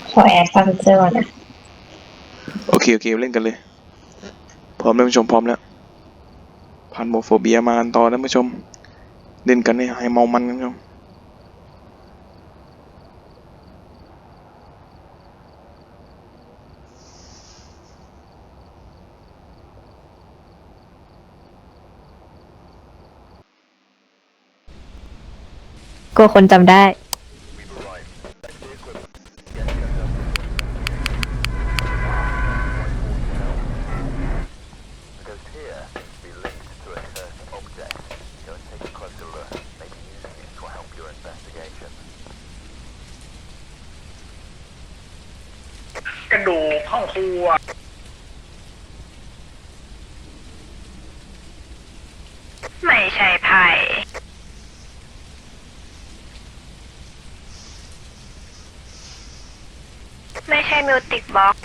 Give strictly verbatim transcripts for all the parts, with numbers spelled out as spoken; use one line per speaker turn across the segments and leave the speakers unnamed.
ขอแอดฟังเจอก่อนนะ
โอเคโอเคเล่นกันเลยพร้อมแล้วผู้ชมพร้อมแล้วผ่านโมโฟเบียมากันต่อนะผู้ชมเล่นกันให้ให้เมามันกันผู้ชม
กลัวคนจำได้
กระดูกห้องครัว
ไม่ใช่ไผ่ไม่ใช่มิวติกบ็อก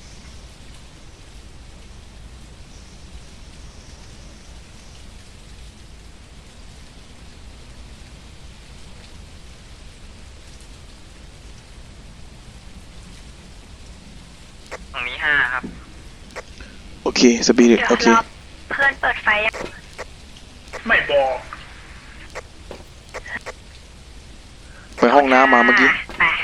ตรงนี้ห้าครับ
โอเคสปิริตโอเค
เพื่อนเปิดไฟยัง
ไม่บอก
ไปห้องน้ำมาเมื่อกี้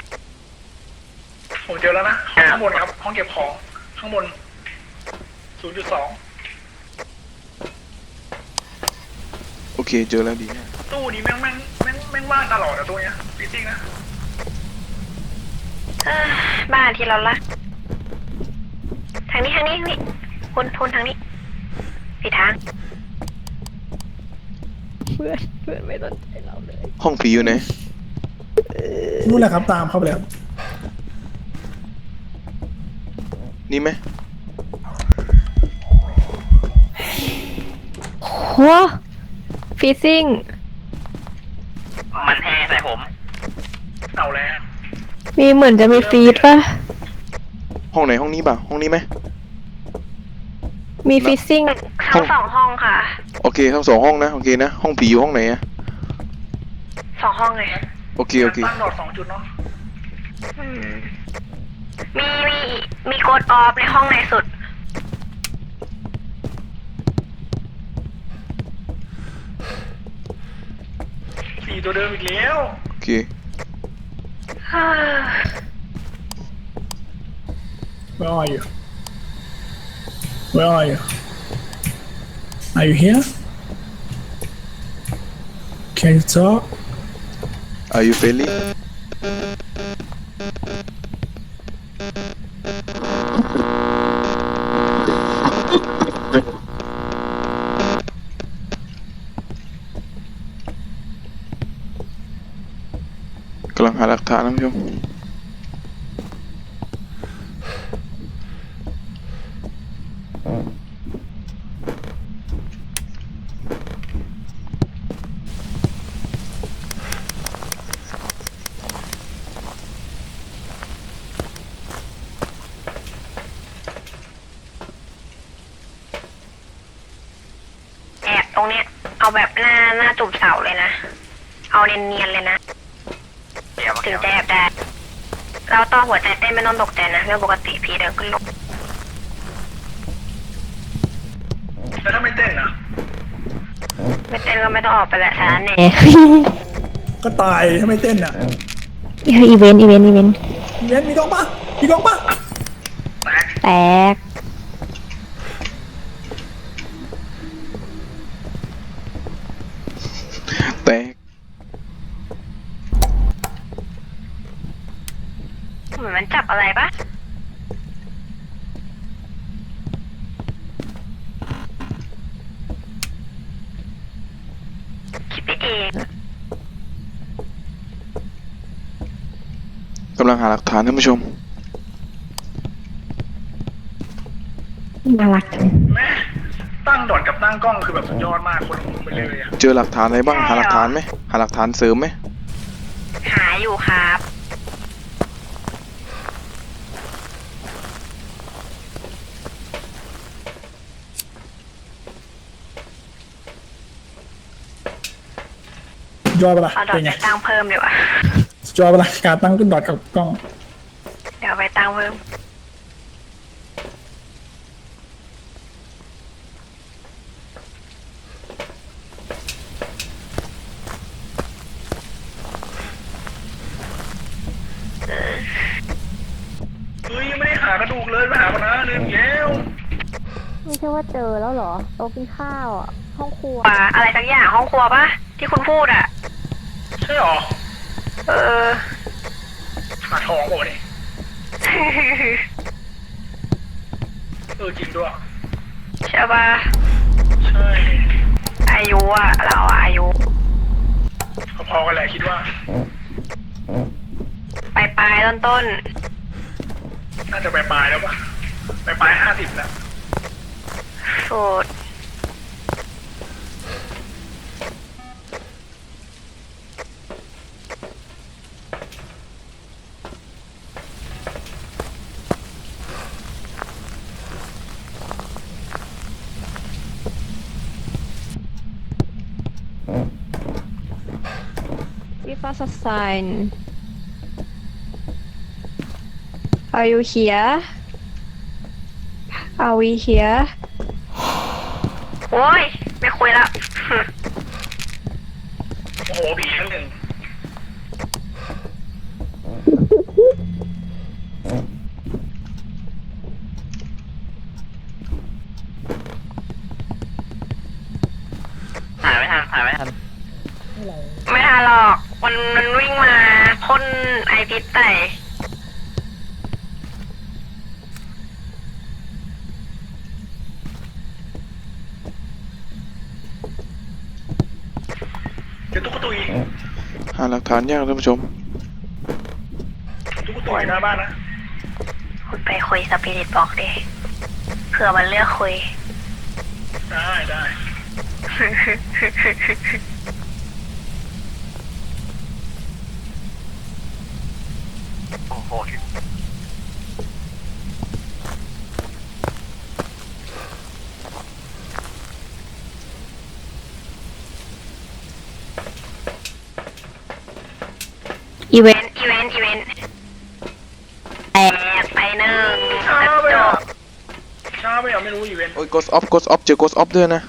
ผมเจอแล้วนะข้างบนครับห้องเก็บของข้างบน ศูนย์จุดสอง
โอเคเจอแล้วดี
ตู้นี้แม่งแม่งแม่งแม่งว่างตลอดอะตัวเนี้ยจริงๆนะ
บ้านที่เราละทางนี้ทางนี้ทางนี้คุณทุนทางนี้ผิดทาง
เพื่อนเพื่อนไม่สนใจเราเลย
ห้องผีอยู่ไหน
นู่นแหละครับตามเข้าไปเลยครับ
นี่ไหม
โหฟีซิ่ง
มันแห่ใส่ผมเอาแล้ว
มีเหมือนจะมีฟีดป่ะ
ห้องไหนห้องนี้ป่ะห้องนี้ไหม
มีฟีซิ่ง
ทั้งสองห้องค่ะ
โอเคทั้งสองห้องนะโอเคนะห้องผีอยู่ห้องไหนอะ
สองห้องเลย
โอเคโอเค
ตั้งดอดสองจุดเนาะ
มีมีมีกดออฟในห้องไหนสุด
สี่ตัวเดิมอีกแล้ว
โอเค
Where are you Where are you Are you here Can you talk
Are you friendly กำลังหาหลักฐานนะผู้ชม
ตรงเนี้ยเอาแบบหน้าหน้าจุ่มเสาเลยนะเอาเนียนๆเลยนะถึงจะแอบได้เราต่อหัวใจเต้นไม่ต้องตกใจนะเรื่องปกติผีเดินขึ้นลง
แล้วถ้าไม่เต้นนะ
ไม่เต้นก็ไม่ต้องออกไปแหละช้าแน่
ก็ตายถ้าไม่เต้นอ่ะ
อีเวนต์อีเวนต์อีเวนต์
อีเวนต์มีกล้องปะมีกล้องปะ
แตก
แตก
เหมือนมันจับอะไรปะคิดไปเอง
กำลังหาหลักฐานท่านผู้ชม
น่ารัก
แม่ตั้งดอดกับตั้งกล้องคือแบบสุดยอดมากคนละมุมไปเลยอะ
เจอหลักฐานอะไรบ้างหาหลักฐานไหมหาหลักฐานเสริมไหม
หาอยู่ครับ
ยอดปะล่ะ
เอาดอทไปตั้งเพิ่มดีกว่า
ยอดปะล่ะการตั้งขึ้นดอทกับกล้อง
เดี๋ยวเอาไปตังเพิ่ม
เฮ้ยยังไม่ได้หากระดูกเลยไปหากันนะลืมแล้ว
ไม่ใช่ว่าเจอแล้วเหรอโต๊ะกินข้าวอ่ะ ห้องครัว
ป่าอะไรสักอย่างห้องครัวปะที่คุณพูดอ่ะ
ใช่หรอ
เออ
หาทองบอกนี่เออจริงด้วย
ใช่ปะ
ใช่
อายุอ่ะเราอะอายุ
พอๆกันแหละคิดว่า
ปลายปลายต้นต้น
น่าจะไปปลายแล้วปะไปปลายห้าสิบแล้ว
ๆสูตร
Give us a sign Are you here Are we here
โอ้ยไม่คุยแล้ว
โอ้โหผีทั้งหนึ่ง
ถ่ายไม่ทันถ่ายไม่ทัน
ไม่ทันหรอกมันมันวิ่งมาพ่นไอพิษใส่
เดี๋ยวตุ๊กตุย
หาหลักฐานยากท่านผู้ชม
ตุ๊กตุยหน้าบ้านนะ
คุณไปคุยสปิริตบอกดิเผื่อมันเลือกคุย
ได้ได้
โอ้โห
อีเวนต์
อีเวนต์อีเวนต์
แต
แต
ก
กไปหนึ่ง
ช้าก
ระ
ไป
จ
อ่ะ
ก
ช้าไปอ่ะไม่รู้อีเวนต์
โอ้ย ghost off ghost off เจอ ghost off ด้วยนะ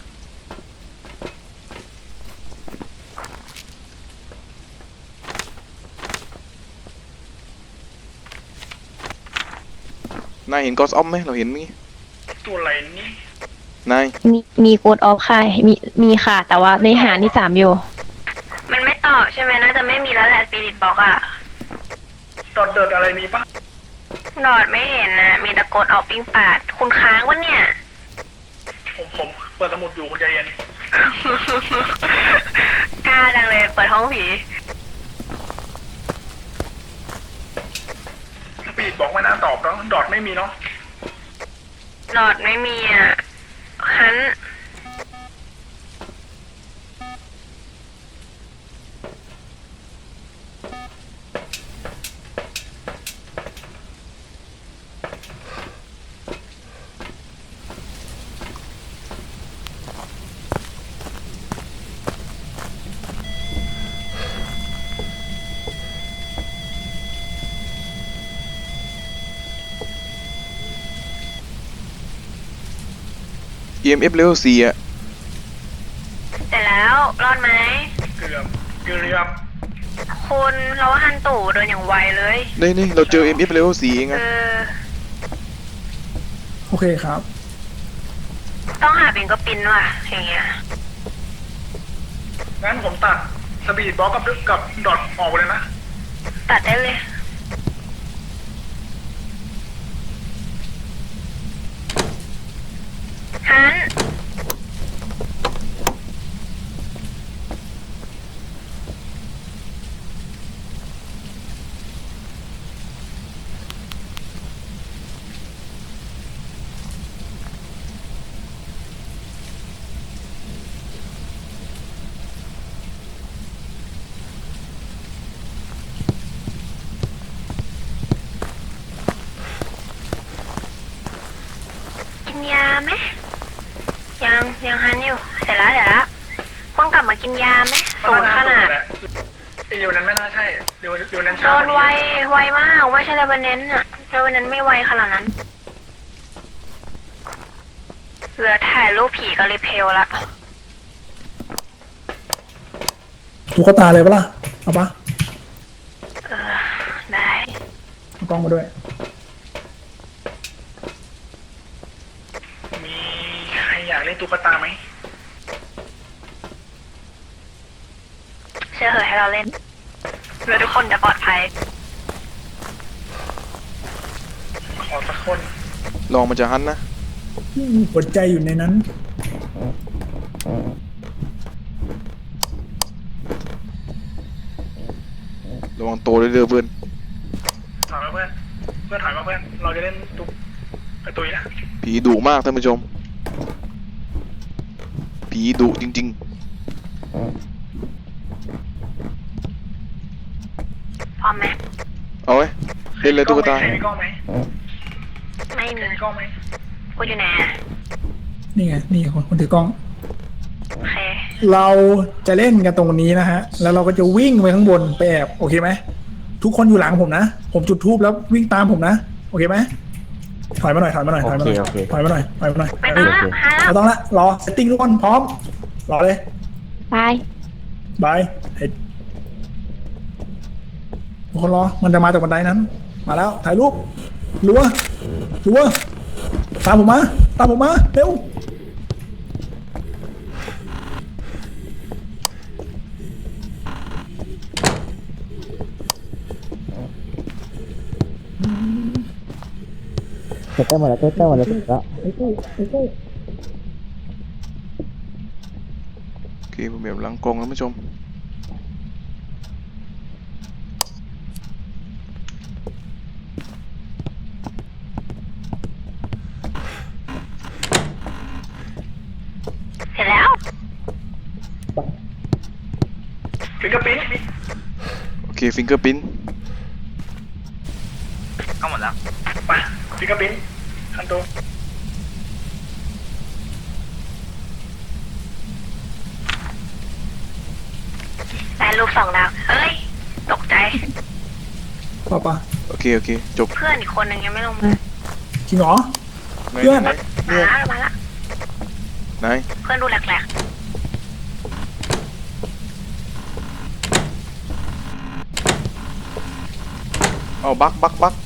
นายเห็น ghost off ไหมเราเห็นมั้ย
ตัวอะไรนี่
นาย
มีมีโกดออฟค่ะ มีมีค่ะ แต่ว่าในหานี่สามอยู่
มันไม่ตอบใช่ไหมน่าจะไม่มีแล้วแหละสปิริตบอกอะ
ดอดเดิดอะไรมีปะ
ดอดไม่เห็นนะมีตะโกนออกปิ้งปาดคุณค้างวะเนี่ย
ผมผมเปิดสมุดอยู่คุณใจเย็น
กล้าจังเลยเปิดห้องผี
สปีดบอกไม่น่าตอบเนาะดอดไม่มีเนาะ
ดอดไม่มีอ่ะฮัน
อี เอ็ม เอฟ level สี่อ่ะ
เสร็จแล้วรอดไหม
เกือบเกือบ
คุณเราว่าฮันตู่เดินอย่างไวเลย
นี่นี่เราเจอ เอ็ม เอฟ level สี่เอง
เอ
อะ
อ
โอเคครับ
ต้องหาบิงก็ปินว่ะอย่างเงี้ย
งั้นผมตัดสปีดบล็อกกับกับดอทออกไปเลยนะ
ตัดได้เลยฮัน กินยาไหมยังยังฮันอยู่เสร็จแล้วเสร็จแล้วควรกลับมากินยาไหมสูงขนาด
ไอเดียวนั้นไม่น่าใช่เดียวเดียวนั้น
โด
ช้าน
ไวไวมากไม่ใช่เลยวันเน้นอ่ะแล้ววันนั้นไม่ไวขนาดนั้นเหลือถ่ายรูปผีกับรีเพลละ
ตุ๊กตาเลยปะล่ะเอาปะ
เออได้
เอากล้องมาด้วย
มีใครอยากเล่นตุ๊กตาไหม
เชื่อเหอะให้เราเล่นเพื่อทุกคนจะปลอดภัย
ขอสักคน
ลองมันจะหันนะ
หัวใจอยู่ในนั้น
ระวังโตวด้วยเด้อเพื่อน
ถอยมาเพื่อนเพื่อนถอยมาเพื่อนเราจะเล่นตุ๊กกระตุยนะ
ผีดุมากท่านผู้ชม ผีดุจริง
พร้อมไหม
ๆ เอาไว้เล่นเลยตุ๊กตา
ใครมีกล้องไหม
ไม่
ใคร
มี
มีกล้องไหม
กูอยู่ไหนอะ
นี่ไง นี่คนคนถือกล้อง
โอเค
เราจะเล่นกันตรงนี้นะฮะ แล้วเราก็จะวิ่งไปข้างบนไปแอบโอเคไหมทุกคนอยู่หลังผมนะ ผมจุดทูบแล้ววิ่งตามผมนะ โอเคไหมถอยมาหน่อยถอยมาหน่อยถอยมาหน่อยถอยมาหน่อยถอยมาหน่อย
ไม่ต้องละหาแล้ว
ไม่ต้องละรอเซตติ้งทุกคนพร้อมรอเลย
ไป
บายเฮ้ยทุกคนรอมันจะมาจากบันไดนั้น มาแล้วถ่ายรูปรัวรัวตามผมมาตามผมมาเร็ว
โอเคผมแบบหลังกล้องท่านผู้ชม
เสร็จแล้ว
ฟิงเกอร์ปิ้น
โอเคฟิงเกอร์พิ้น
ก็หมดแล้ว
ไปฟิงเกอร์ปิ้นคันโต
ได้รูปสองดาวเฮ้ย ตกใจ
ป่ะป่ะ
โอเคโอเคจบ
เพื่อนอีกคนหนึ่งยังไม่ลงมา
จริงเหรอ
ไหน
เพื่อน
ไหน
มาละมาละ
ไหน
เพื่อนดูแหลก
เอาบักบักบัก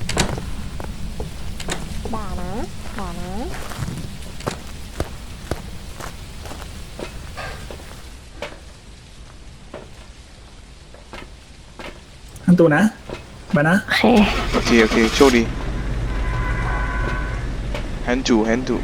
ด่านะด่านะ
ทันตัวนะมานะ
โอเค
โอเคโอเคโชคดีแฮนจูแฮนจู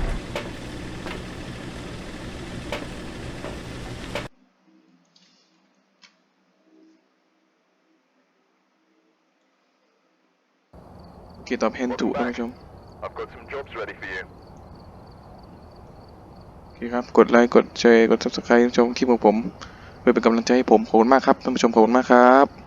โอเคตอบแฮนจูท่านผู้ชม
I've got some jobs ready for you.
โอเคครับกดไลค์กดแชร์กด ซับสไครบ์ ชมคลิปของผมเพื่อเป็นกำลังใจให้ผมขอบคุณมากครับท่านผู้ชมขอบคุณมากครับ